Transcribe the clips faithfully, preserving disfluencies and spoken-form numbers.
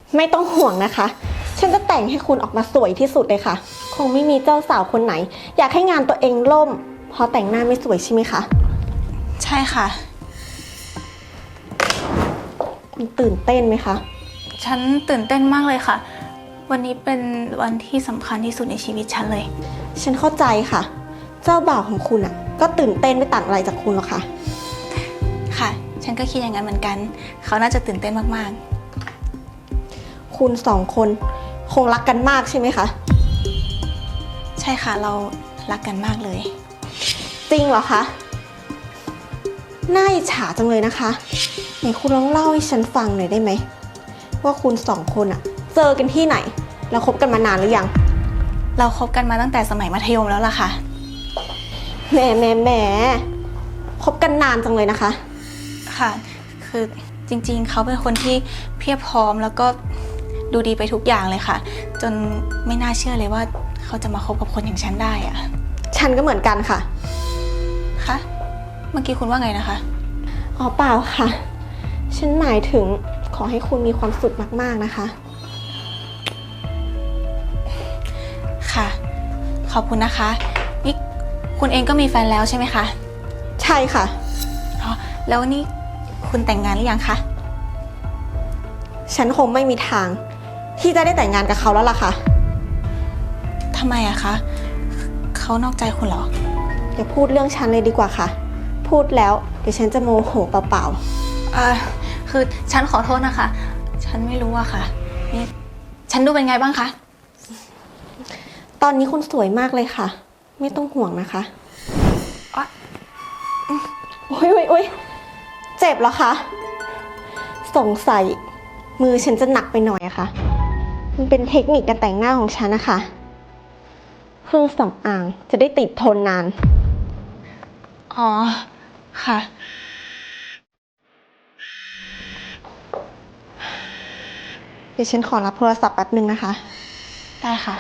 ไม่ต้องห่วงนะคะฉันจะแต่งให้คุณออกมาสวยที่สุดเลยค่ะคงไม่มีเจ้าสาวคนไหนอยากให้งานตัวเองล่มเพราะแต่งหน้าไม่สวยใช่ไหมคะใช่ค่ะคุณตื่นเต้นไหมคะฉันตื่นเต้นมากเลยค่ะวันนี้เป็นวันที่สำคัญที่สุดในชีวิตฉันเลยฉันเข้าใจค่ะเจ้าบ่าวของคุณอ่ะก็ตื่นเต้นไม่ต่างอะไรจากคุณหรอกค่ะค่ะฉันก็คิดอย่างนั้นเหมือนกันเขาน่าจะตื่นเต้นมากๆคุณสองคนคงรักกันมากใช่ไหมคะใช่ค่ะเรารักกันมากเลยจริงเหรอคะน่าอิจฉาจังเลยนะคะไหนคุณลองเล่าให้ฉันฟังหน่อยได้ไหมว่าคุณสองคนอะเจอกันที่ไหนแล้วคบกันมานานหรือยังเราคบกันมาตั้งแต่สมัยมัธยมแล้วล่ะค่ะแหมแหมแหมคบกันนานจังเลยนะคะค่ะคือจริงๆเขาเป็นคนที่เพียบพร้อมแล้วก็ดูดีไปทุกอย่างเลยค่ะจนไม่น่าเชื่อเลยว่าเขาจะมาคบกับคนอย่างฉันได้อะฉันก็เหมือนกันค่ะคะเมื่อกี้คุณว่าไงนะคะอ๋อเปล่าค่ะฉันหมายถึงขอให้คุณมีความสุขมากๆนะคะค่ะขอบคุณนะคะนี่คุณเองก็มีแฟนแล้วใช่ไหมคะใช่ค่ะอ๋อแล้วนี่คุณแต่งงานหรือยังคะฉันคงไม่มีทางที่จะได้แต่งงานกับเขาแล้วล่ะค่ะทำไมอะคะเขานอกใจคุณเหรออย่าพูดเรื่องฉันเลยดีกว่าค่ะพูดแล้วเดี๋ยวฉันจะโมโหเปล่าๆอ่าคือฉันขอโทษนะคะฉันไม่รู้อะค่ะนี่ฉันดูเป็นไงบ้างคะตอนนี้คุณสวยมากเลยค่ะไม่ต้องห่วงนะคะอ๊ะโอ๊ยโอ๊ยโอ๊ยเจ็บเหรอคะสงสัยมือฉันจะหนักไปหน่อยอะค่ะมันเป็นเทคนิคการแต่งหน้าของฉันนะคะเครื่องสำอางจะได้ติดทนนานอ๋อค่ะเดี๋ยวฉันขอรับโทรศัพท์แป๊บนึงนะคะได้ค่ะ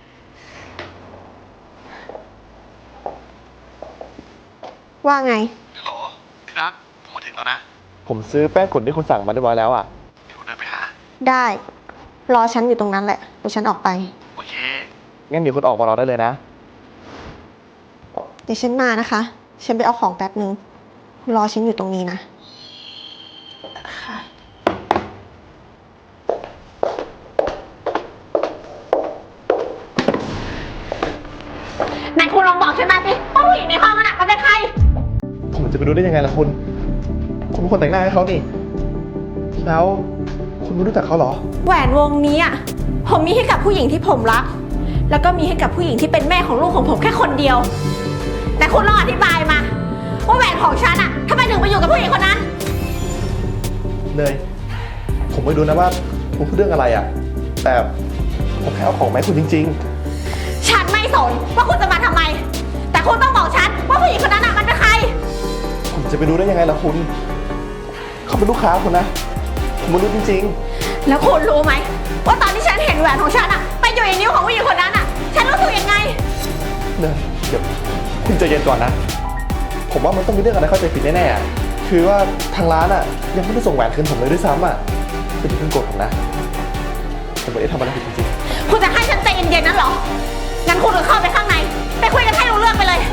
ว่าไงฮัลโหลที่รักผมมาถึงแล้วนะผมซื้อแป้งขนที่คุณสั่งมาเรียบร้อยแล้วอ่ะเดี๋ยวเดินไปหาได้รอฉันอยู่ตรงนั้นแหละเดี๋ยวฉันออกไปโอเคงั้นเดี๋ยวคุณออกมารอได้เลยนะเดี๋ยวฉันมานะคะฉันไปเอาของแป๊บนึงรอฉันอยู่ตรงนี้นะค่ะไหนคุณลองบอกฉันมาสิว่าผู้หญิงในห้องนั้นมันเป็นใครผมจะไปรู้ได้ยังไงล่ะคุณคุณเป็นคนแต่งหน้าให้เขานี่แล้วคุณไม่รู้จักเขาเหรอแหวนวงนี้อ่ะผมมีให้กับผู้หญิงที่ผมรักแล้วก็มีให้กับผู้หญิงที่เป็นแม่ของลูกของผมแค่คนเดียวแต่คุณลองอธิบายมาว่าแหวนของฉันอ่ะทำไมถึงไปอยู่กับผู้หญิงคนนั้นเนยผมไม่รู้นะว่าคุณพูดเรื่องอะไรอ่ะแต่ผมแค่เอาของมาให้คุณจริงๆฉันไม่สนว่าคุณจะมาทำไมแต่คุณต้องบอกฉันว่าผู้หญิงคนนั้นอ่ะมันเป็นใครผมจะไปรู้ได้ยังไงล่ะคุณเขาเป็นลูกค้าคุณนะผมไม่รู้จริงๆแล้วคุณรู้ไหมว่าตอนที่ฉันเห็นแหวนของฉันอ่ะไปอยู่ในนิ้วของผู้หญิงคนนั้นอ่ะฉันรู้สึกยังไงเนยเดี๋ยวคุณใจเย็นก่อนนะผมว่ามันต้องมีเรื่องอะไรเข้าใจผิดแน่ๆคือว่าทางร้านอ่ะยังไม่ได้ส่งแหวนคืนผมเลยด้วยซ้ำอ่ะคุณอย่าเพิ่งโกรธผมนะผมไม่ได้ทำอะไรผิดจริงๆคุณจะให้ฉันใจเย็นๆนั่นเหรองั้นคุณก็เข้าไปข้างในไปคุยกันให้รู้เรื่องไปเลย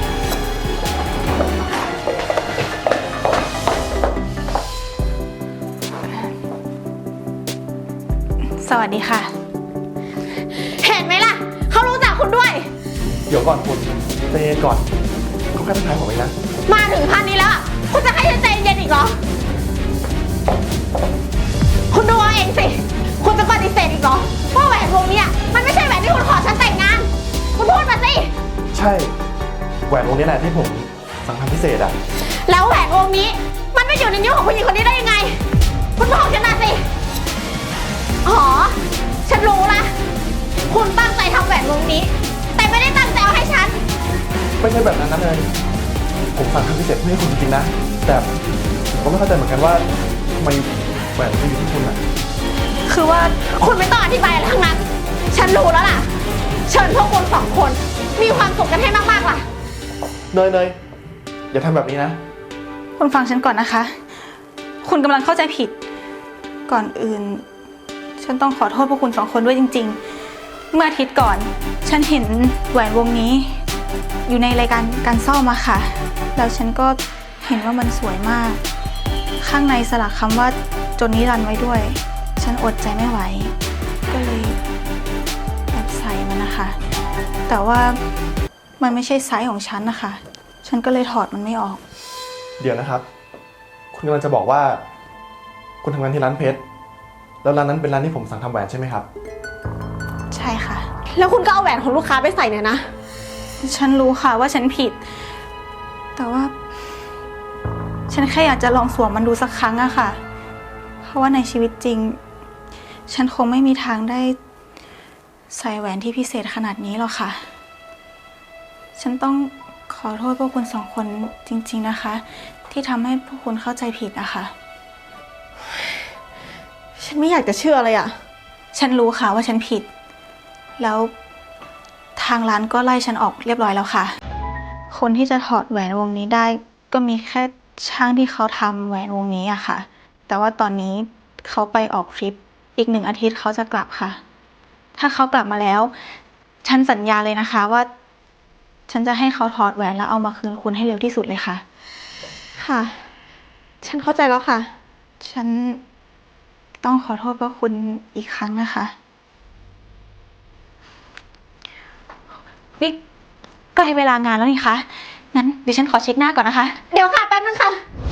สวัสดีค่ะเห็นไหมล่ะเขารู้จักคุณด้วยเดี๋ยวก่อนคุณใจเย็นก่อนเขาแค่ทักทายผมเองนะมาถึงพันนี้แล้วคุณจะให้ฉันใจเย็นอีกเหรอคุณดูเอาเองสิคุณจะปฏิเสธอีกเหรอว่าแหวนวงนี้มันไม่ใช่แหวนที่คุณขอฉันแต่งงานคุณพูดมาสิใช่แหวนวงนี้แหละที่ผมสั่งทำพิเศษอะแล้วแหวนวงนี้มันไม่อยู่ในนิ้วของผู้หญิงคนนี้ได้ยังไงคุณบอกฉันมาสิอ๋อฉันรู้ละคุณตั้งใจทำแหวนวงนี้แต่ไม่ได้ตั้งใจเอาให้ฉันไม่ใช่แบบนั้นนะเลยผมสั่งทำพิเศษเพื่อให้คุณจริงๆนะแต่ผมก็ไม่เข้าใจเหมือนกันว่าทำไมแหวนมันอยู่ที่คุณอะคือว่าคุณไม่ต้องอธิบายอะไรทั้งนั้นฉันรู้แล้วล่ะเชิญพวกคุณสองคนมีความสุขกันให้มากๆล่ะเนยเนยอย่าทำแบบนี้นะคุณฟังฉันก่อนนะคะคุณกำลังเข้าใจผิดก่อนอื่นฉฉันต้องขอโทษพวกคุณสองคนด้วยจริงๆ เมื่ออาทิตย์ก่อน ฉันเห็นแหวนวงนี้ อยู่ในรายการการซ่อมอะค่ะ แล้วฉันก็เห็นว่ามันสวยมาก ข้างในสลักคำว่าจนนิรันดร์ไว้ด้วย ฉันอดใจไม่ไหว ก็เลยแอบใส่มันนะคะ แต่ว่ามันไม่ใช่ไซส์ของฉันนะคะ ฉันก็เลยถอดมันไม่ออกเดี๋ยวนะครับ คุณกำลังจะบอกว่า คุณทำงานที่ร้านเพชร แล้วร้านนั้นเป็นร้านที่ผมสั่งทำแหวนใช่ไหมครับใช่ค่ะแล้วคุณก็เอาแหวนของลูกค้าไปใส่เนี่ยนะฉันรู้ค่ะว่าฉันผิด แต่ว่า ฉันแค่อยากจะลองสวมมันดูสักครั้งอะค่ะ เพราะว่าในชีวิตจริง ฉันคงไม่มีทางได้ใส่แหวนที่พิเศษขนาดนี้หรอกค่ะ ฉันต้องขอโทษพวกคุณสองคนจริงๆนะคะ ที่ทำให้พวกคุณเข้าใจผิดอะค่ะฉันไม่อยากจะเชื่อเลยอะฉันรู้ค่ะว่าฉันผิด แล้วทางร้านก็ไล่ฉันออกเรียบร้อยแล้วค่ะ คนที่จะถอดแหวนวงนี้ได้ ก็มีแค่ช่างที่เขาทำแหวนวงนี้อะค่ะ แต่ว่าตอนนี้เขาไปออกทริปอีกหนึ่งอาทิตย์เขาจะกลับค่ะ ถ้าเขากลับมาแล้ว ฉันสัญญาเลยนะคะว่า ฉันจะให้เขาถอดแหวนแล้วเอามาคืนคุณให้เร็วที่สุดเลยค่ะค่ะ ฉันเข้าใจแล้วค่ะฉันต้องขอโทษพวกคุณอีกครั้งนะคะ นี่ใกล้เวลางานแล้วนี่คะ งั้นเดี๋ยวฉันขอเช็คหน้าก่อนนะคะเดี๋ยวค่ะแป๊บนึงค่ะ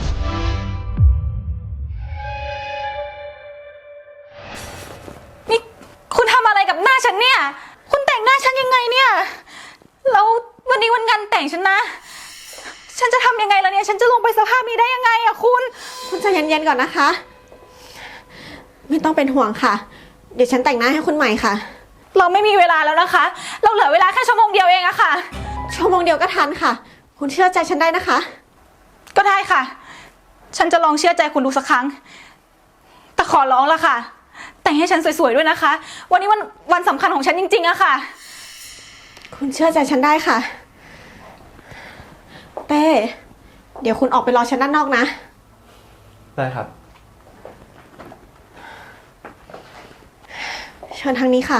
นี่คุณทำอะไรกับหน้าฉันเนี่ย คุณแต่งหน้าฉันยังไงเนี่ย แล้ววันนี้วันงานแต่งฉันนะ ฉันจะทำยังไงล่ะเนี่ย ฉันจะลงไปสภาพนี้ได้ยังไงอะคุณคุณใจเย็นๆก่อนนะคะ ไม่ต้องเป็นห่วงค่ะ เดี๋ยวฉันแต่งหน้าให้คุณใหม่ค่ะเราไม่มีเวลาแล้วนะคะ เราเหลือเวลาแค่ชั่วโมงเดียวเองอะค่ะชั่วโมงเดียวก็ทันค่ะ คุณเชื่อใจฉันได้นะคะก็ได้ค่ะ ฉันจะลองเชื่อใจคุณดูสักครั้ง แต่ขอร้องละค่ะ แต่งให้ฉันสวยๆด้วยนะคะ วันนี้วันวันสำคัญของฉันจริงๆอะค่ะคุณเชื่อใจฉันได้ค่ะ เต้ เดี๋ยวคุณออกไปรอฉันด้านนอกนะได้ครับเชิญทางนี้ค่ะ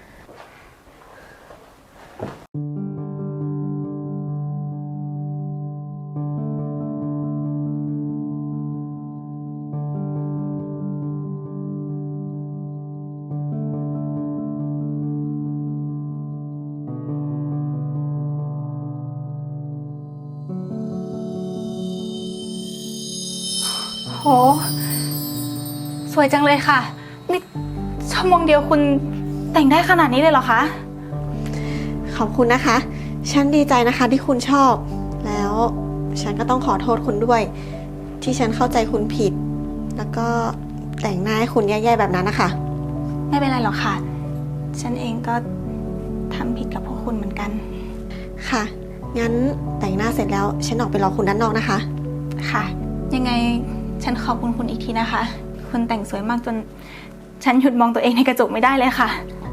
โห สวยจังเลยค่ะ นี่ชั่วโมงเดียวคุณแต่งได้ขนาดนี้เลยเหรอคะขอบคุณนะคะ ฉันดีใจนะคะที่คุณชอบ แล้วฉันก็ต้องขอโทษคุณด้วย ที่ฉันเข้าใจคุณผิด แล้วก็แต่งหน้าให้คุณแย่ๆแบบนั้นนะคะไม่เป็นไรหรอกค่ะ ฉันเองก็ทำผิดกับพวกคุณเหมือนกันค่ะ งั้นแต่งหน้าเสร็จแล้ว ฉันออกไปรอคุณด้านนอกนะคะค่ะ ยังไงฉันขอบคุณคุณอีกทีนะคะ คุณแต่งสวยมากจน ฉันหยุดมองตัวเองในกระจกไม่ได้เลยค่ะ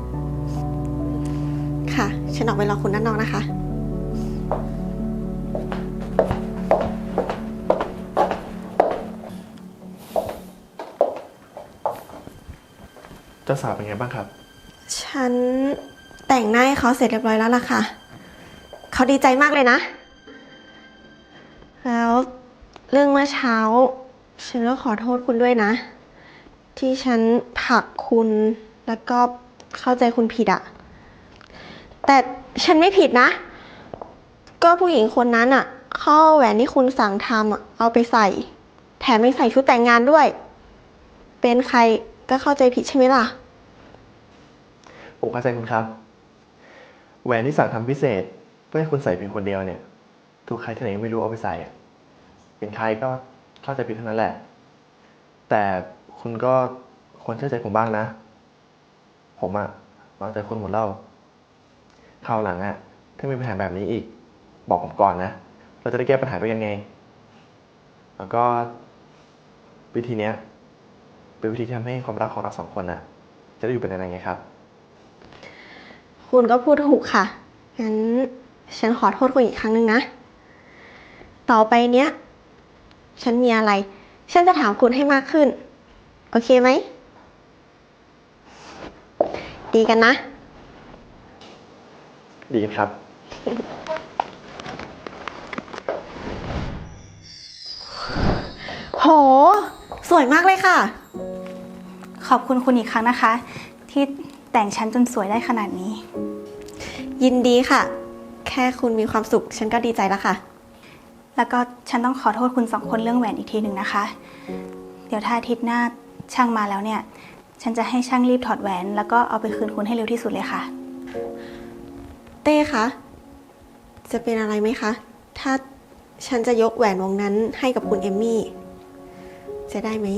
ค่ะ ฉันออกไปรอคุณด้านนอกนะคะเจ้าสาวเป็นไงบ้างครับฉันแต่งหน้าให้เขาเสร็จเรียบร้อยแล้วล่ะค่ะ เขาดีใจมากเลยนะ แล้วเรื่องเมื่อเช้า ฉันก็ขอโทษคุณด้วยนะ ที่ฉันผลักคุณแล้วก็เข้าใจคุณผิดอะแต่ฉันไม่ผิดนะ ก็ผู้หญิงคนนั้นอะเขาเอาแหวนที่คุณสั่งทำอะเอาไปใส่ แถมยังใส่ชุดแต่งงานด้วย เป็นใครก็เข้าใจผิดใช่ไหมล่ะผมเข้าใจคุณครับ แหวนที่สั่งทำพิเศษ เพื่อให้คุณใส่เพียงคนเดียวเนี่ย ถูกใครที่ไหนไม่รู้เอาไปใส่อะเป็นใครก็เข้าใจผิดเท่านั้นแหละ แต่คุณก็ควรเชื่อใจผมบ้างนะ ผมอะวางใจคุณหมดแล้วคราวหลังอะถ้ามีปัญหาแบบนี้อีก บอกผมก่อนนะ เราจะได้แก้ปัญหาด้วยกันไง แล้วก็วิธีเนี้ยเป็นวิธีที่ทำให้ความรักของเราสองคนอะจะได้อยู่เป็นนานๆไงครับคุณก็พูดถูกค่ะ งั้นฉันขอโทษคุณอีกครั้งหนึ่งนะ ต่อไปเนี้ย ฉันมีอะไร ฉันจะถามคุณให้มากขึ้น โอเคไหมดีกันนะดีครับโห สวยมากเลยค่ะขอบคุณคุณอีกครั้งนะคะ ที่แต่งฉันจนสวยได้ขนาดนี้ยินดีค่ะ แค่คุณมีความสุข ฉันก็ดีใจแล้วค่ะแล้วก็ฉันต้องขอโทษคุณสองคนเรื่องแหวนอีกทีหนึ่งนะคะ เดี๋ยวถ้าอาทิตย์หน้าช่างมาแล้วเนี่ย ฉันจะให้ช่างรีบถอดแหวน แล้วก็เอาไปคืนคุณให้เร็วที่สุดเลยค่ะเต้คะ จะเป็นอะไรไหมคะ ถ้าฉันจะยกแหวนวงนั้นให้กับคุณเอมมี่ จะได้ไหม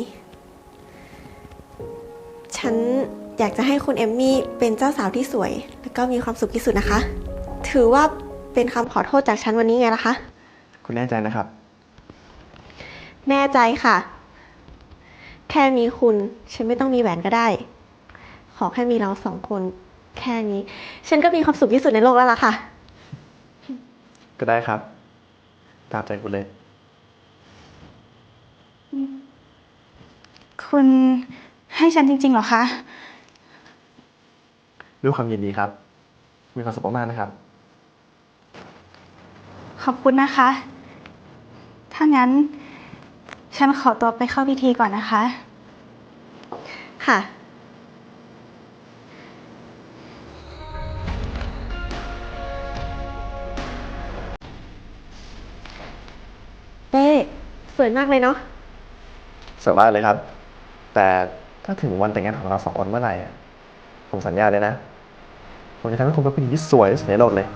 ฉันอยากจะให้คุณเอมมี่เป็นเจ้าสาวที่สวย แล้วก็มีความสุขที่สุดนะคะ ถือว่าเป็นคำขอโทษจากฉันวันนี้ไงล่ะคะคุณแน่ใจนะครับแน่ใจค่ะ แค่มีคุณ ฉันไม่ต้องมีแหวนก็ได้ ขอแค่มีเราสองคน แค่นี้ ฉันก็มีความสุขที่สุดในโลกแล้วล่ะค่ะก็ได้ครับ ตามใจคุณเลยคุณให้ฉันจริงๆเหรอคะด้วยความยินดีครับ มีความสุขมากๆนะครับขอบคุณนะคะ ถ้างั้น ฉันขอตัวไปเข้าพิธีก่อนนะคะค่ะ เต้สวยมากเลยเนาะสวยมากเลยครับ แต่ถ้าถึงวันแต่งงานของเราสองคนเมื่อไหร่อะผมสัญญาเลยนะ ผมจะทำให้คุณเป็นผู้หญิงที่สวยที่สุดในโลกเลย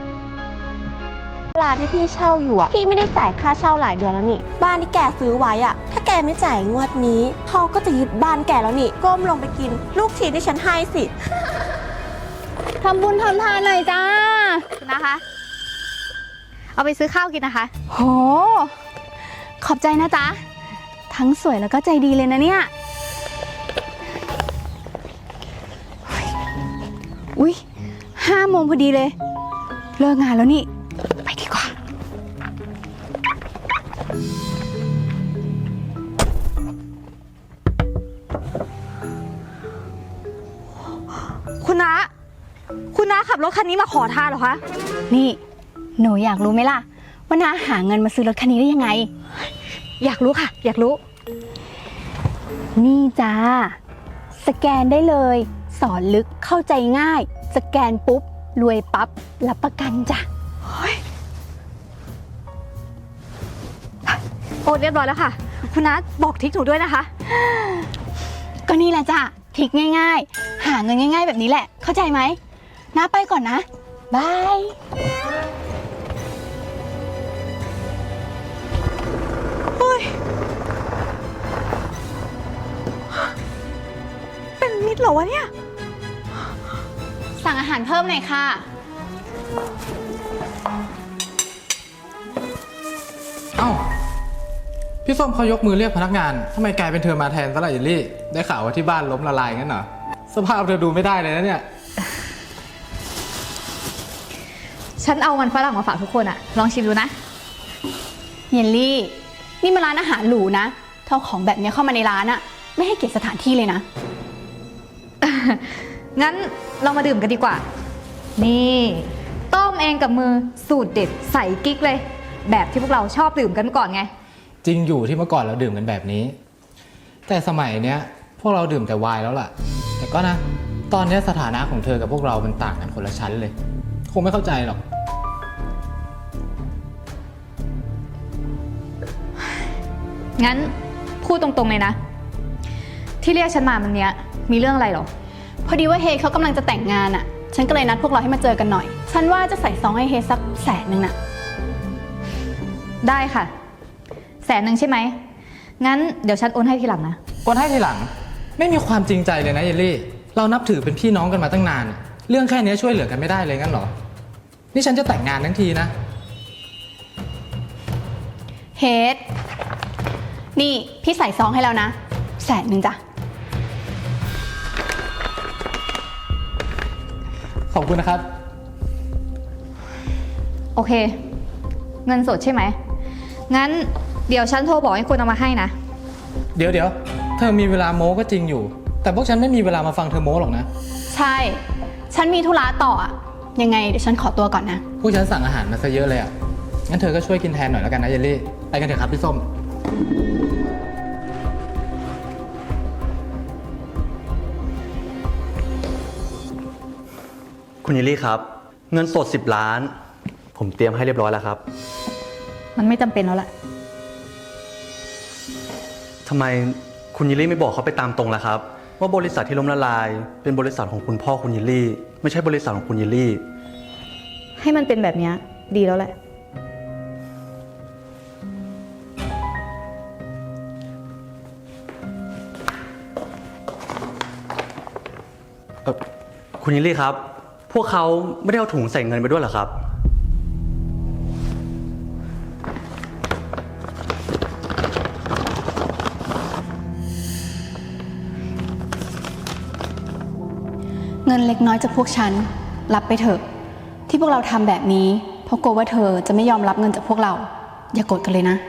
ร้านที่พี่เช่าอยู่อ่ะ พี่ไม่ได้จ่ายค่าเช่าหลายเดือนแล้วนี่ บ้านที่แกซื้อไว้อ่ะ ถ้าแกไม่จ่ายงวดนี้เขาก็จะยึดบ้านแกแล้วนี่ ก้มลงไปกิน ลูกชิ้นที่ฉันให้สิทำบุญทำทานหน่อยจ้านะคะ เอาไปซื้อข้าวกินนะคะ โห ขอบใจนะจ๊ะ ทั้งสวยแล้วก็ใจดีเลยนะเนี่ย อุ๊ยห้าโมงพอดีเลย เลิกงานแล้วนี่ ไปดีกว่าคุณน้า คุณน้าขับรถคันนี้มาขอทานเหรอคะนี่ หนูอยากรู้ไหมล่ะ ว่าน้าหาเงินมาซื้อรถคันนี้ได้ยังไงอยากรู้ค่ะ อยากรู้นี่จ้า สแกนได้เลย สอนลึกเข้าใจง่าย สแกนปุ๊บ รวยปั๊บ รับประกันจ้ะโอนเรียบร้อยแล้วค่ะ คุณน้าบอกทริกหนูด้วยนะคะก็นี่แหละจ้ะทริกง่ายๆ หาเงินง่ายๆแบบนี้แหละ เข้าใจไหมน้าไปก่อนนะ บายเป็นมิตรเหรอวะเนี่ยสั่งอาหารเพิ่มหน่อยค่ะเอ้า พี่ส้มเขายกมือเรียกพนักงานทำไมกลายเป็นเธอมาแทนซะล่ะเยลลี่ ได้ข่าวว่าที่บ้านล้มละลายงั้นเหรอ สภาพเธอดูไม่ได้เลยนะเนี่ยฉันเอามันฝรั่งมาฝากทุกคนอะลองชิมดูนะเยลลี่ นี่มาร้านอาหารหรูนะเท่าของแบบนี้เข้ามาในร้านอะไม่ให้เกียรติสถานที่เลยนะงั้นเรามาดื่มกันดีกว่า นี่ ต้มเองกับมือสูตรเด็ดใส่กิ๊กเลย แบบที่พวกเราชอบดื่มกันเมื่อก่อนไงจริงอยู่ที่เมื่อก่อนเราดื่มกันแบบนี้ แต่สมัยเนี้ยพวกเราดื่มแต่ไวน์แล้วล่ะ แต่ก็นะ ตอนเนี้ยสถานะของเธอกับพวกเรามันต่างกันคนละชั้นเลย คงไม่เข้าใจหรอกงั้นพูดตรงๆเลยนะ ที่เรียกฉันมามันเนี้ยมีเรื่องอะไรหรอพอดีว่าเฮเขากำลังจะแต่งงานอะฉันก็เลยนัดพวกเราให้มาเจอกันหน่อย ฉันว่าจะใส่ซองให้เฮสักแสนหนึ่งน่ะได้ค่ะ แสนหนึ่งใช่ไหม งั้นเดี๋ยวฉันโอนให้ทีหลังนะคนให้ทีหลังไม่มีความจริงใจเลยนะเยลลี่ เรานับถือเป็นพี่น้องกันมาตั้งนาน เรื่องแค่นี้ช่วยเหลือกันไม่ได้เลยงั้นเหรอ นี่ฉันจะแต่งงานทั้งทีนะเฮดนี่พี่ใส่ซองให้แล้วนะ แสนหนึ่งจ้ะขอบคุณนะครับโอเค เงินสดใช่ไหม งั้นเดี๋ยวฉันโทรบอกให้คนเอามาให้นะเดี๋ยวเดี๋ยวเธอมีเวลาโม้ก็จริงอยู่ แต่พวกฉันไม่มีเวลามาฟังเธอโม้หรอกนะใใช่ ฉันมีธุระต่ออะยังไงเดี๋ยวฉันขอตัวก่อนนะพวกฉันสั่งอาหารมาซะเยอะเลยอ่ะ งั้นเธอก็ช่วยกินแทนหน่อยแล้วกันนะเยลลี่ ไปกันเถอะครับพี่ส้มคุณยิลลี่ครับ เงินสดสิบล้าน ผมเตรียมให้เรียบร้อยแล้วครับมันไม่จำเป็นแล้วแหละทำไมคุณยิลลี่ไม่บอกเขาไปตามตรงล่ะครับ ว่าบริษัทที่ล้มละลาย เป็นบริษัทของคุณพ่อคุณยิลลี่ ไม่ใช่บริษัทของคุณยิลลี่ให้มันเป็นแบบเนี้ยดีแล้วแหละเอ่อคุณยิลลี่ครับ พวกเขาไม่ได้เอาถุงใส่เงินไปด้วยเหรอครับเงินเล็กน้อยจากพวกฉันรับไปเถอะ ที่พวกเราทำแบบนี้เพราะกลัวว่าเธอจะไม่ยอมรับเงินจากพวกเรา อย่าโกรธกันเลยนะ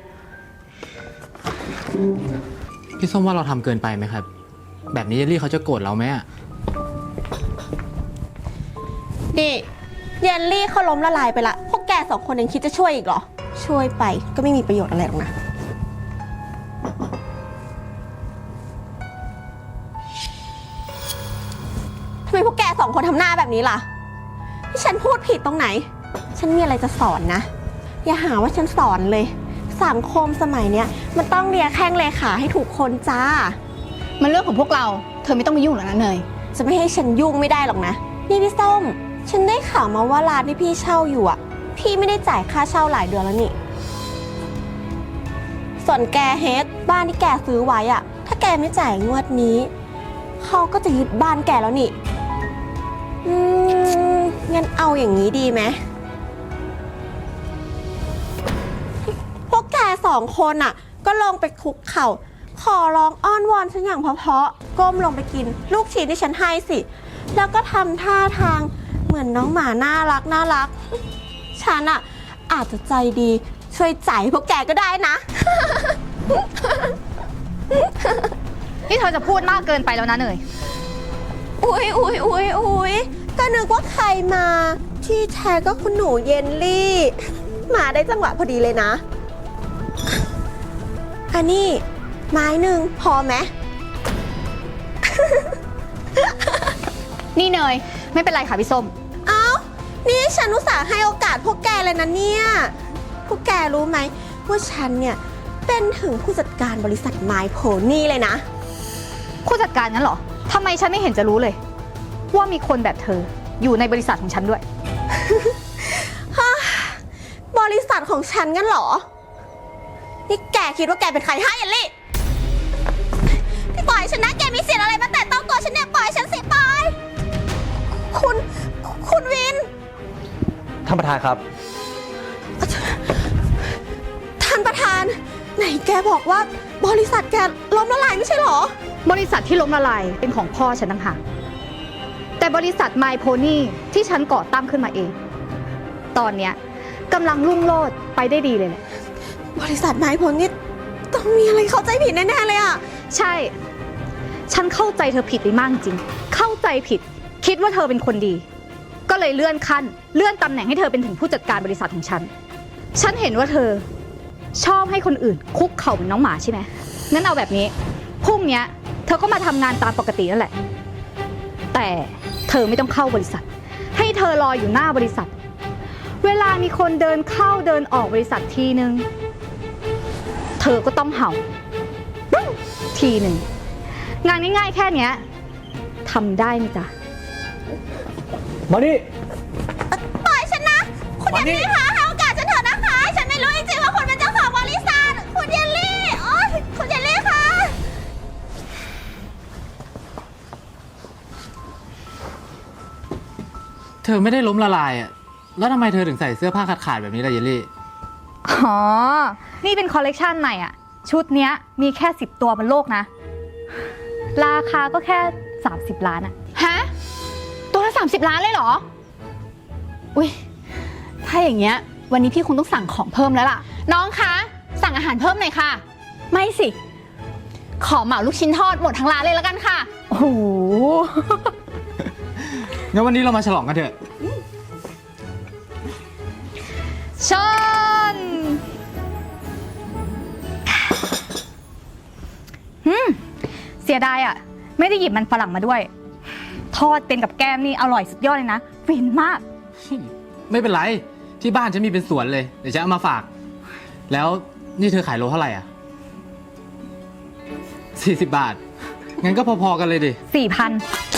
พี่ส้มว่าเราทำเกินไปไหมครับ แบบนี้เยลลี่เขาจะโกรธเราไหมอ่ะนี่เยลลี่เขาล้มละลายไปละ พวกแกสองคนยังคิดจะช่วยอีกเหรอ ช่วยไปก็ไม่มีประโยชน์อะไรหรอกนะ ทำไมพวกแกสองคนทำหน้าแบบนี้ล่ะ ที่ฉันพูดผิดตรงไหน ฉันมีอะไรจะสอนนะ อย่าหาว่าฉันสอนเลย สังคมสมัยเนี้ยมันต้องเลียแข้งเลขาให้ถูกคนจ้ามันเรื่องของพวกเรา เธอไม่ต้องมายุ่งหรอกนะเนยจะไม่ให้ฉันยุ่งไม่ได้หรอกนะ นี่พี่ส้ม ฉันได้ข่าวมาว่าร้านที่พี่เช่าอยู่อ่ะ พี่ไม่ได้จ่ายค่าเช่าหลายเดือนแล้วนี่ ส่วนแกเฮดบ้านที่แกซื้อไว้อ่ะ ถ้าแกไม่จ่ายงวดนี้ เขาก็จะยึดบ้านแกแล้วนี่ อืม งั้นเอาอย่างนี้ดีไหม พวกแกสองคนอ่ะ ก็ลงไปคุกเข่า ขอร้องอ้อนวอนฉันอย่างเพราะๆก้มลงไปกินลูกชิ้นที่ฉันให้สิ แล้วก็ทำท่าทางเหมือนน้องหมาน่ารักน่ารัก ฉันอะอาจจะใจดีช่วยจ่ายให้พวกแกก็ได้นะนี่เธอจะพูดมากเกินไปแล้วนะเนยอุ๊ยอุ๊ยอุ๊ยอุ๊ยก็นึกว่าใครมา ที่แท้ก็คุณหนูเยนลี่ มาได้จังหวะพอดีเลยนะ อันนี้ไม้หนึ่งพอไหมนี่เนย ไม่เป็นไรค่ะพี่ส้มเอ้า นี่ฉันอุตส่าห์ให้โอกาสพวกแกเลยนะเนี่ย พวกแกรู้ไหมว่าฉันเนี่ยเป็นถึงผู้จัดการบริษัทไมโพนี่เลยนะผู้จัดการนั้นเหรอ ทำไมฉันไม่เห็นจะรู้เลย ว่ามีคนแบบเธออยู่ในบริษัทของฉันด้วยบริษัทของฉันงั้นเหรอ นี่แกคิดว่าแกเป็นใครฮะเยลลี่ พี่ปล่อยฉันนะแกมีเสียงอะไรมาแตะต้องตัวฉันเนี่ยปล่อยฉันสิปล่อย คุณ คุณวินท่านประธานครับท่านประธาน ไหนแกบอกว่าบริษัทแกล้มละลายไม่ใช่เหรอบริษัทที่ล้มละลายเป็นของพ่อฉันต่างหากแต่บริษัท My Pony ที่ฉันก่อตั้งขึ้นมาเอง ตอนเนี้ยกำลังรุ่งโรจน์ไปได้ดีเลยแหละบริษัทไมโพนี่ต้องมีอะไรเข้าใจผิดแน่ๆเลยอะใช่ ฉันเข้าใจเธอผิดไปมากจริง เข้าใจผิด คิดว่าเธอเป็นคนดี ก็เลยเลื่อนขั้น เลื่อนตำแหน่งให้เธอเป็นถึงผู้จัดการบริษัทของฉัน ฉันเห็นว่าเธอชอบให้คนอื่นคุกเข่าเหมือนน้องหมาใช่ไหมงั้นเอาแบบนี้ พรุ่งเนี้ยเธอก็มาทำงานตามปกตินั่นแหละ แต่เธอไม่ต้องเข้าบริษัท ให้เธอรออยู่หน้าบริษัท เวลามีคนเดินเข้าเดินออกบริษัททีนึง เธอก็ต้องเห่าทีหนึ่ง งานง่ายๆแค่เนี้ยทำได้ไหมจ๊ะมานี่ปล่อยฉันนะ คุณเยลลี่คะให้โอกาสฉันเถอะนะคะ ฉันไม่รู้จริงๆว่าคุณเป็นเจ้าของบริษัท คุณเยลลี่โอ๊ยคุณเยลลี่คะเธอไม่ได้ล้มละลายอ่ะ แล้วทำไมเธอถึงใส่เสื้อผ้าขาดๆแบบนี้ล่ะเยลลี่อ๋อ นี่เป็นคอลเลกชันใหม่อ่ะ ชุดเนี้ยมีแค่สิบตัวบนโลกนะ ราคาก็แค่สามสิบล้านอ่ะฮะ ตัวละสามสิบล้านเลยเหรอ อุ้ยถ้าอย่างเงี้ย วันนี้พี่คงต้องสั่งของเพิ่มแล้วล่ะ น้องคะ สั่งอาหารเพิ่มหน่อยค่ะ ไม่สิ ขอเหมาลูกชิ้นทอดหมดทั้งร้านเลยแล้วกันค่ะโอ้โหงั้นวันนี้เรามาฉลองกันเถอะชนหืมเสียดายอ่ะ ไม่ได้หยิบมันฝรั่งมาด้วย ทอดเป็นกับแก้มนี่อร่อยสุดยอดเลยนะฟินมากไม่เป็นไร ที่บ้านฉันมีเป็นสวนเลย เดี๋ยวฉันเอามาฝาก แล้วนี่เธอขายโลเท่าไหร่อ่ะสี่สิบบาท งั้นก็พอๆกันเลยดิสี่พัน